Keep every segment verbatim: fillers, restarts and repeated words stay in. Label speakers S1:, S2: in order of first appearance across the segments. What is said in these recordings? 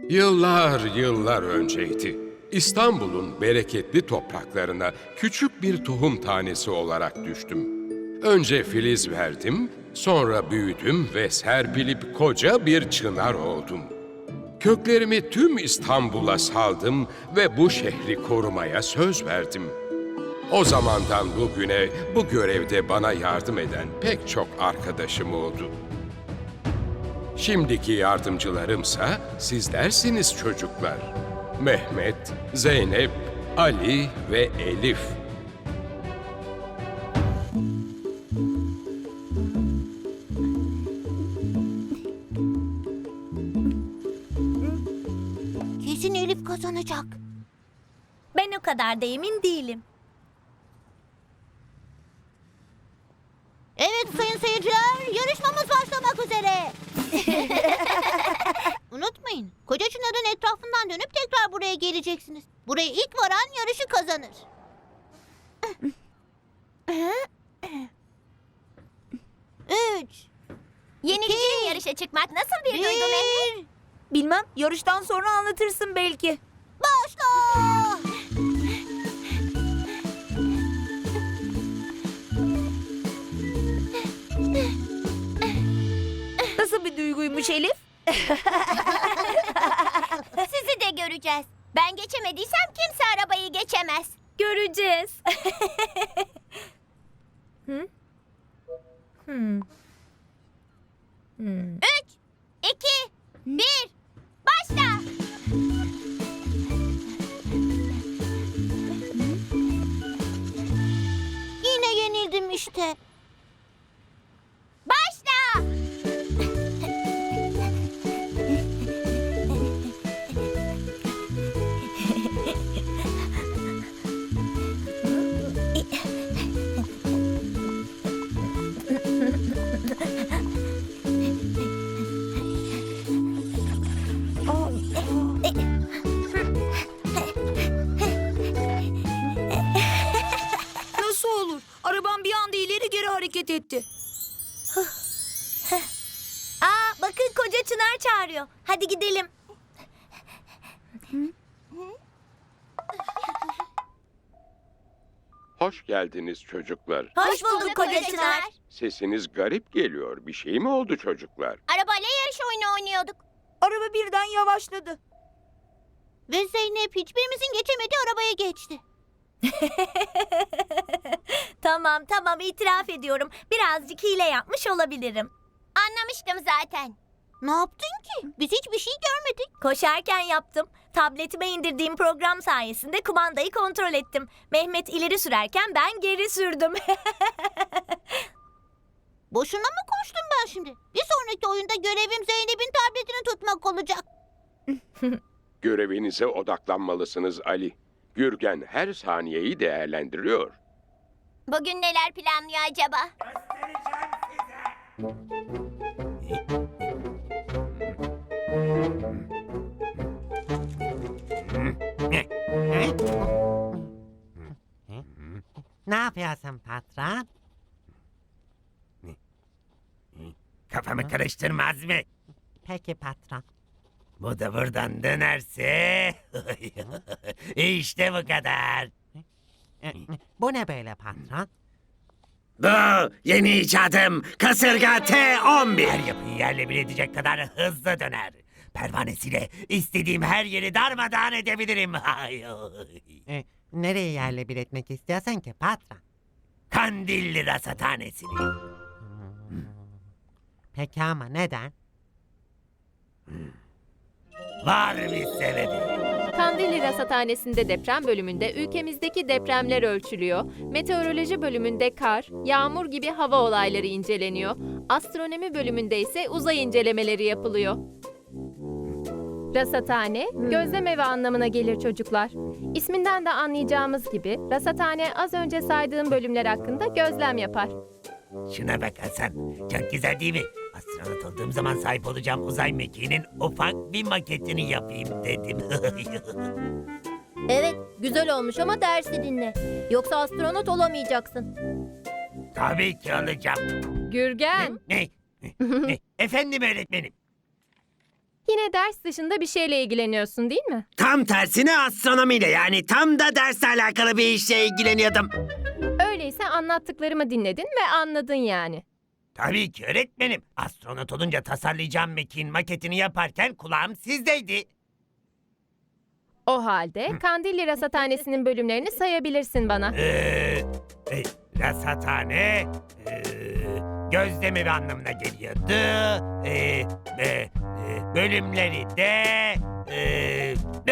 S1: Yıllar yıllar önceydi. İstanbul'un bereketli topraklarına küçük bir tohum tanesi olarak düştüm. Önce filiz verdim, sonra büyüdüm ve serpilip koca bir çınar oldum. Köklerimi tüm İstanbul'a saldım ve bu şehri korumaya söz verdim. O zamandan bugüne bu görevde bana yardım eden pek çok arkadaşım oldu. Şimdiki yardımcılarımsa sizlersiniz çocuklar. Mehmet, Zeynep, Ali ve Elif.
S2: Kesin Elif kazanacak.
S3: Ben o kadar da emin değilim.
S2: Evet sayın seyirciler, yarışmamız başlamak üzere. Unutmayın, Koca Çınar'ın etrafından dönüp tekrar buraya geleceksiniz. Buraya ilk varan yarışı kazanır. Üç,
S3: Yeniliciyle yarışa çıkmak nasıl bir duygu Mehmet?
S2: bir,
S4: Bilmem, yarıştan sonra anlatırsın belki.
S2: başla!
S4: Nasıl bir duyguymuş Elif?
S3: Sizi de göreceğiz. Ben geçemediysem kimse arabayı geçemez. Göreceğiz.
S4: Hı? Hmm. Hmm.
S3: Üç, iki, bir, başla.
S2: Yine yenildim işte.
S3: Başla.
S4: Nasıl olur? Arabam bir anda ileri geri hareket etti.
S3: Aa, bakın Koca Çınar çağırıyor. Hadi gidelim.
S1: Hoş geldiniz çocuklar.
S3: Hoş bulduk Koca Çınar.
S1: Sesiniz garip geliyor. Bir şey mi oldu çocuklar?
S3: Arabayla yarış oyunu oynuyorduk.
S4: Araba birden yavaşladı.
S2: Ve Zeynep hiçbirimizin geçemediği arabaya geçti.
S3: Tamam tamam itiraf ediyorum. Birazcık hile yapmış olabilirim. Anlamıştım zaten.
S2: Ne yaptın ki? Biz hiçbir şey görmedik.
S3: Koşarken yaptım. Tabletime indirdiğim program sayesinde kumandayı kontrol ettim. Mehmet ileri sürerken ben geri sürdüm.
S2: Boşuna mı koştum ben şimdi? Bir sonraki oyunda görevim Zeynep'in tabletini tutmak olacak.
S1: Görevinize odaklanmalısınız Ali. Gürgen her saniyeyi değerlendiriyor.
S3: Bugün neler planlıyor acaba?
S5: Ne yapıyorsun patron? Kafamı karıştırmaz mı? Peki patron. Bu da buradan dönerse... işte bu kadar. Bu ne böyle patron? Bu yeni icadım kasırga T on bir. Her yapıyı yerle bir edecek kadar hızlı döner. Pervanesiyle istediğim her yeri darmadağın edebilirim. e, nereye yerle bir etmek istiyorsan ki patron? Kandilli Rasathanesi'ni. Peki ama neden? Var bir sebebi.
S6: Kandilli Rasathanesi'nde deprem bölümünde ülkemizdeki depremler ölçülüyor. Meteoroloji bölümünde kar, yağmur gibi hava olayları inceleniyor. Astronomi bölümünde ise uzay incelemeleri yapılıyor. Rasathane, gözlem evi anlamına gelir çocuklar. İsminden de anlayacağımız gibi rasathane az önce saydığım bölümler hakkında gözlem yapar.
S5: Şuna bak Hasan. Çok güzel değil mi? Astronot olduğum zaman sahip olacağım uzay mekiğinin ufak bir maketini yapayım dedim.
S3: Evet, güzel olmuş ama dersi dinle. Yoksa astronot olamayacaksın.
S5: Tabii ki olacağım.
S6: Gürgen,
S5: Ne? Ne? Efendim öğretmenim.
S6: Yine ders dışında bir şeyle ilgileniyorsun değil mi?
S5: Tam tersine astronomiyle, yani tam da dersle alakalı bir işle ilgileniyordum.
S6: Öyleyse anlattıklarımı dinledin ve anladın yani.
S5: Tabii ki öğretmenim. Astronot olunca tasarlayacağım mekiğin maketini yaparken kulağım sizdeydi.
S6: O halde Kandilli Rasathanesi'nin bölümlerini sayabilirsin bana.
S5: Ee, e, rasathane, e, gözlemi anlamına geliyordu. E, e, e, bölümleri de... E,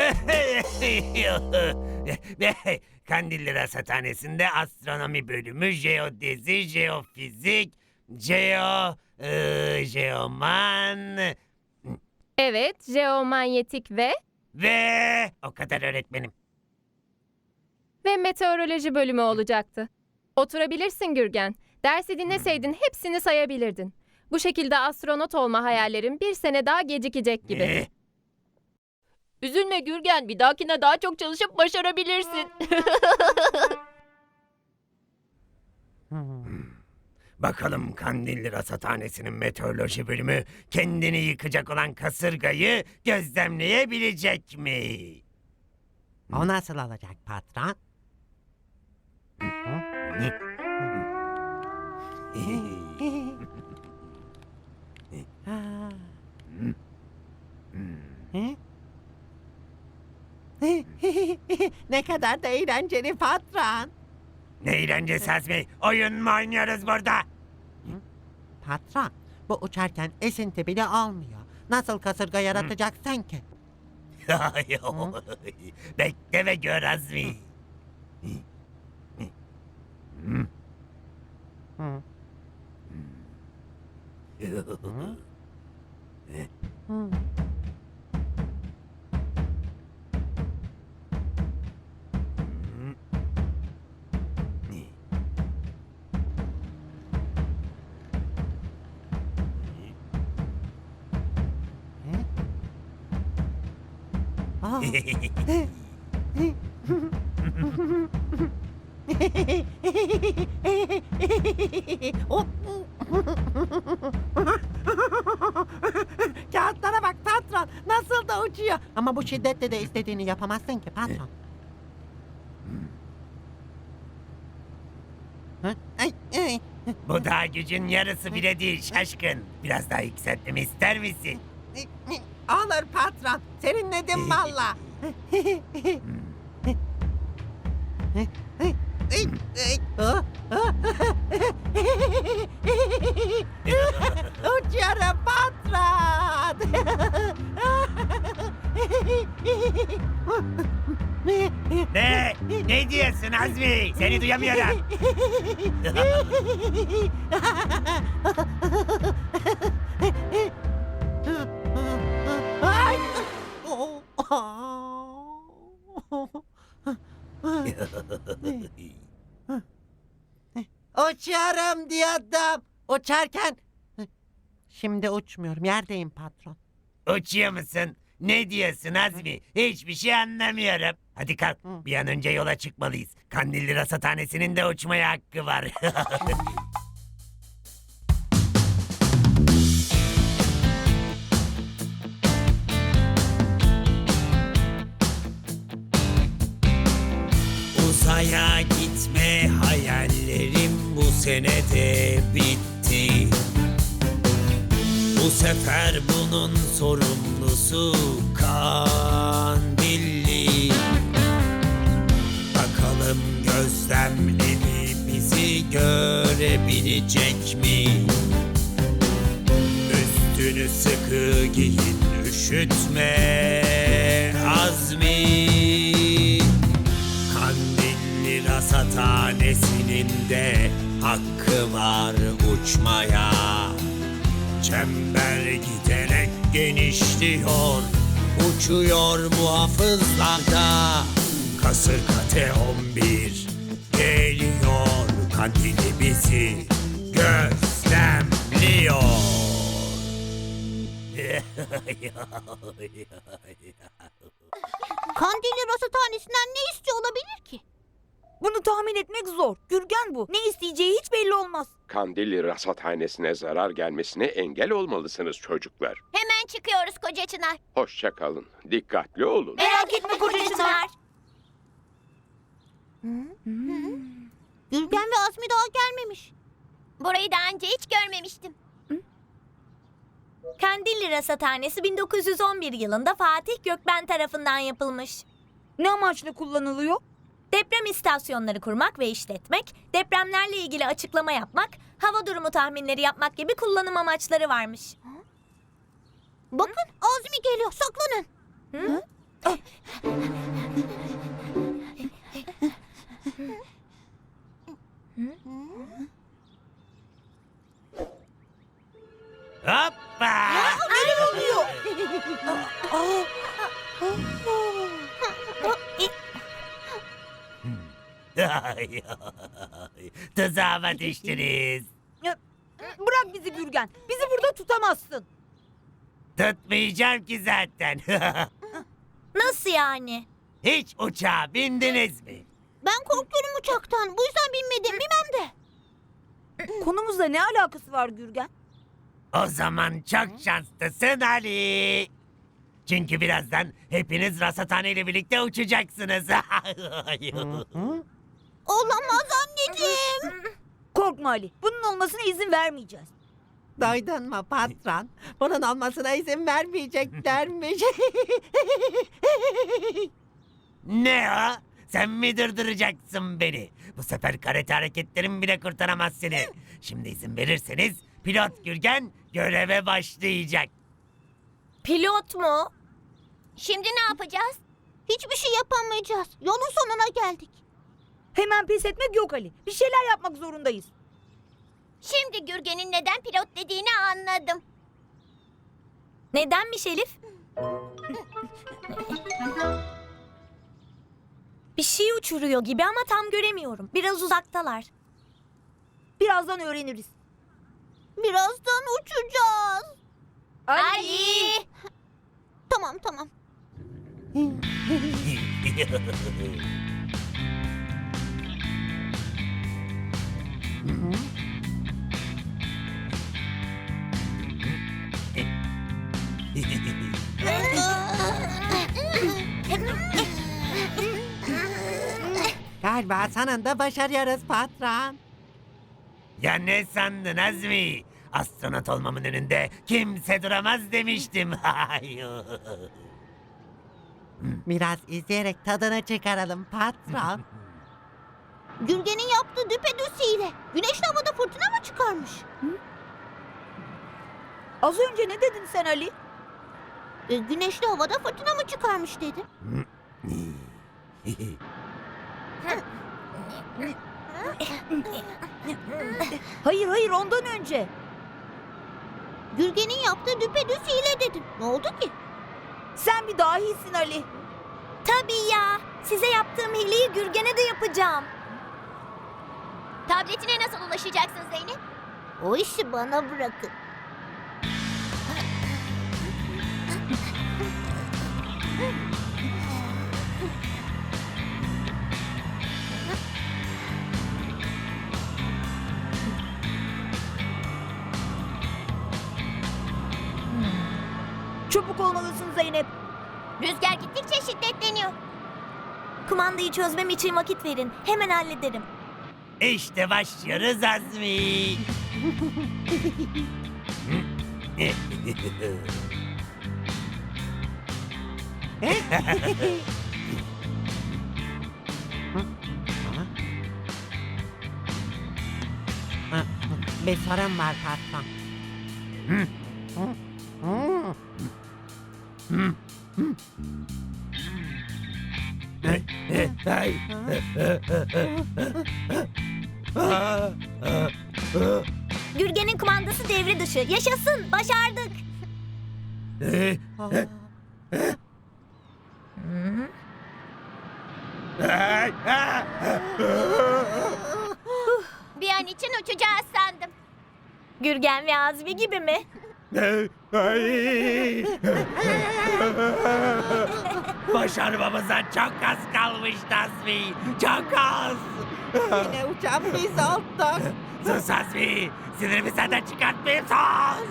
S5: Kandilli Rasathanesi'nde astronomi bölümü, jeodezi, jeofizik, jeo, e, jeoman
S6: Evet, jeomanyetik ve
S5: ve o kadar öğretmenim.
S6: ve meteoroloji bölümü olacaktı. Oturabilirsin Gürgen. Dersi dinleseydin hepsini sayabilirdin. Bu şekilde astronot olma hayallerin bir sene daha gecikecek gibi.
S5: Eh,
S6: Üzülme Gürgen, bir dahakine daha çok çalışıp başarabilirsin.
S5: Bakalım Kandilli Rasathanesi'nin meteoroloji bölümü kendini yıkacak olan kasırgayı gözlemleyebilecek mi?
S7: O nasıl olacak patron? Ne kadar da eğlenceli patron.
S5: Ne eğlencesi Azmi? Oyun mu oynuyoruz burada?
S7: Patron, bu uçarken esinti bile almıyor. Nasıl kasırga yaratacaksın ki?
S5: Bekle ve gör Azmi.
S7: Hı. Hı. Aa. Hop. Kağıtlara bak patron, nasıl da uçuyor. Ama bu şiddetle de istediğini yapamazsın ki patron. Hı? Ay, ay.
S5: Bu da gücün yarısı bile değil şaşkın. Biraz daha yükseltmemi ister misin?
S7: Olur patron, serinledim valla. Uçuyorum patron.
S5: Ne? Ne diyorsun Azmi? Seni duyamıyorum.
S7: Ay. Uçuyorum diyordum. Uçarken... Şimdi uçmuyorum, yerdeyim patron.
S5: Uçuyor musun? Ne diyorsun Azmi? Hiçbir şey anlamıyorum. Hadi kalk, bir an önce yola çıkmalıyız. Kandilli Rasathanesi'nin de uçmaya hakkı var. Uzaya gitme hayallerim bu senede bitti. Bu sefer bunun sorumlusu Kandilli. Bakalım gözlemleri bizi görebilecek mi? Üstünü sıkı giyin, üşütme Azmi. Kandilli Rasathanesi'nin de hakkı var uçmaya. Çember giderek genişliyor, uçuyor muhafızlarda. Kasırga T on bir geliyor, Kandilli bizi gözlemliyor.
S2: Kandilli Rasathanesi'nden ne istiyor olabilir ki?
S4: Bunu tahmin etmek zor. Gürgen bu. Ne isteyeceği hiç belli olmaz.
S1: Kandilli rasathanesine zarar gelmesine engel olmalısınız çocuklar.
S2: Hemen çıkıyoruz Koca Çınar.
S1: Hoşça kalın. Dikkatli olun.
S4: Merak etme Koca Çınar.
S2: Gürgen ve Azmi daha gelmemiş. Burayı daha önce hiç görmemiştim.
S3: Kandilli Rasathanesi bin dokuz yüz on bir yılında Fatih Gökben tarafından yapılmış.
S4: Ne amaçla kullanılıyor?
S3: Deprem istasyonları kurmak ve işletmek, depremlerle ilgili açıklama yapmak, hava durumu tahminleri yapmak gibi kullanım amaçları varmış.
S2: Bakın Azmi geliyor, saklanın.
S5: Hoppa! Ay, ay, Tuzağıma düştünüz.
S4: Bırak bizi Gürgen. Bizi burada tutamazsın.
S5: Tutmayacağım ki zaten.
S3: Nasıl yani?
S5: Hiç uçağa bindiniz mi?
S2: Ben korkuyorum uçaktan. Bu yüzden binmedim, bilmem de.
S4: Konumuzla ne alakası var Gürgen?
S5: O zaman çok şanslısın Ali. Çünkü birazdan hepiniz rasathane ile birlikte uçacaksınız.
S2: Olamaz anneciğim.
S4: Korkma Ali. Bunun olmasına izin vermeyeceğiz.
S7: Duydun mu patron? Bunun olmasına izin vermeyeceklermiş.
S5: Ne o? Sen mi durduracaksın beni? Bu sefer karate hareketlerim bile kurtaramaz seni. Şimdi izin verirseniz pilot Gürgen göreve başlayacak.
S3: Pilot mu?
S2: Şimdi ne yapacağız? Hiçbir şey yapamayacağız. Yolun sonuna geldik.
S4: Hemen pes etmek yok Ali. Bir şeyler yapmak zorundayız.
S2: Şimdi Gürgen'in neden pilot dediğini anladım.
S3: Nedenmiş Elif? Bir şey uçuruyor gibi ama tam göremiyorum. Biraz uzaktalar.
S4: Birazdan öğreniriz.
S2: Birazdan uçacağız.
S4: Ali!
S2: Tamam tamam.
S7: Galiba sonunda başarıyoruz patron.
S5: Ya ne sandın Azmi? Astronot olmamın önünde kimse duramaz demiştim.
S7: Biraz izleyerek tadını çıkaralım patron.
S2: Gürgen'in yaptığı düpedüz hile. Güneşli havada fırtına mı çıkarmış?
S4: Az önce ne dedin sen Ali?
S2: E, güneşli havada fırtına mı çıkarmış dedim.
S4: Hayır hayır ondan önce.
S2: Gürgen'in yaptığı düpedüz hile dedim. Ne oldu ki?
S4: Sen bir dahisin Ali.
S3: Tabii ya. Size yaptığım hileyi Gürgen'e de yapacağım.
S2: Tabletine nasıl ulaşacaksın Zeynep? O işi bana bırakın.
S4: Çabuk olmalısın Zeynep.
S2: Rüzgar gittikçe şiddetleniyor.
S3: Kumandayı çözmem için vakit verin. Hemen hallederim.
S5: İşte başlıyoruz Azmi.
S7: Bir sorun var patron.
S5: Ay.
S3: Gürgen'in kumandası devre dışı. Yaşasın. Başardık.
S2: Bir an için uçacağız sandım.
S3: Gürgen ve Azmi gibi mi?
S5: Ay. Başarmamıza çok az kalmış Azmi. Çok az.
S7: Yine uçan biz olduk.
S5: Sus Azmi. Sinirimi senden çıkartmayayım sus.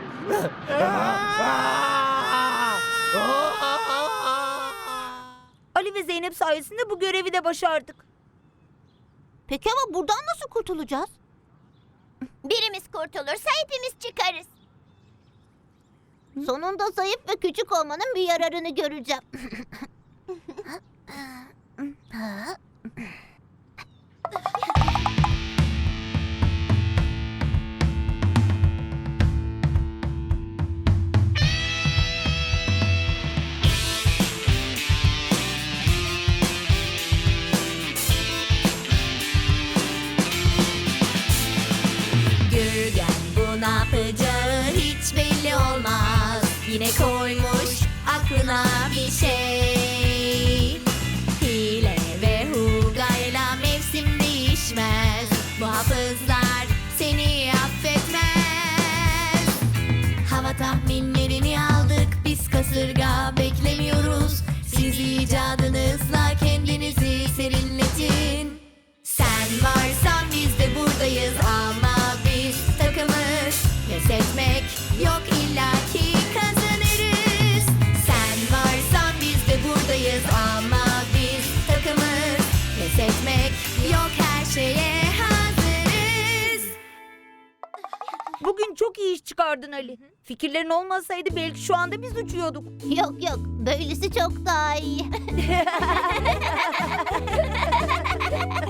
S4: Ali ve Zeynep sayesinde bu görevi de başardık.
S2: Peki ama buradan nasıl kurtulacağız? Birimiz kurtulursa hepimiz çıkarız. Sonunda zayıf ve küçük olmanın bir yararını göreceğim.
S3: Gürgen bu ne yapacağı hiç belli olmaz. Yine koymuş aklına bir şey. Hile ve hugayla mevsim değişmez. Bu hafızlar seni affetmez. Hava tahminlerini aldık biz kasırga beklemiyoruz. Siz icadınızla kendinizi serinletin. Sen varsan biz de buradayız ama biz takımız. Pes etmek yok illaki kazanırız. Sen varsan biz de buradayız ama biz takımız. Pes etmek yok her şeye hazırız.
S4: 6Bugün çok iyi iş çıkardın Ali. Fikirlerin olmasaydı belki şu anda biz uçuyorduk.
S2: Yok yok, böylesi çok daha iyi.